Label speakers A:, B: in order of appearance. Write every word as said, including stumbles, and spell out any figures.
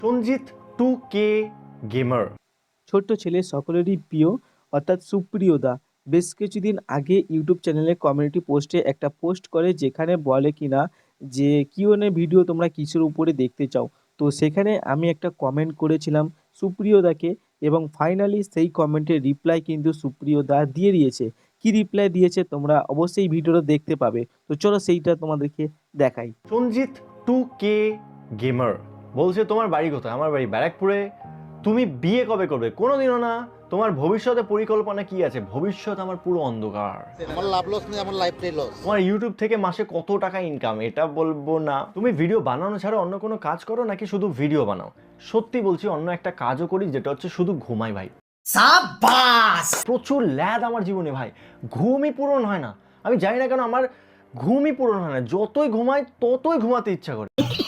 A: Sanjit two কে gamer.
B: ছোট্ট ছেলে সকলেরই প্রিয় অর্থাৎ সুপ্রিয় দা বেশ কিছুদিন আগে ইউটিউব চ্যানেলে কমিউনিটি পোস্টে একটা পোস্ট করে যেখানে বলে কিনা যে কিউএনএ ভিডিও তোমরা কিসের উপরে দেখতে চাও। তো সেখানে আমি একটা কমেন্ট করেছিলাম সুপ্রিয় দাকে এবং ফাইনালি সেই কমেন্টের রিপ্লাই কিন্তু সুপ্রিয় দা দিয়ে দিয়েছে। কি রিপ্লাই দিয়েছে তোমরা অবশ্যই ভিডিওটা দেখতে পাবে, তো চলো সেইটা তোমাদেরকে দেখাই।
A: সঞ্জিত টু কে গেমার বলছে, তোমার বাড়ি কোথায়? আমার বাড়ি ব্যারাকপুরে। তুমি বিয়ে কবে করবে? কোনোদিনও না। তোমার ভবিষ্যতে পরিকল্পনা কি আছে? ভবিষ্যৎ আমার পুরো অন্ধকার।
C: আমার লাভ লস নেই, আমার লাইফটাই লস।
A: তোমার ইউটিউব থেকে মাসে কত টাকা ইনকাম এটা বলবো না। তুমি ভিডিও বানানো ছাড়া অন্য কোনো কাজ করো নাকি শুধু ভিডিও বানাও? সত্যি বলছি, অন্য একটা কাজও করি, যেটা হচ্ছে শুধু ঘুমাই ভাই। সাবাস! প্রচুর ল্যাদ আমার জীবনে ভাই, ঘুমই পূরণ হয় না। আমি জানি না কেন আমার ঘুমই পূরণ হয় না। যতই ঘুমাই ততই ঘুমাতে ইচ্ছা করে।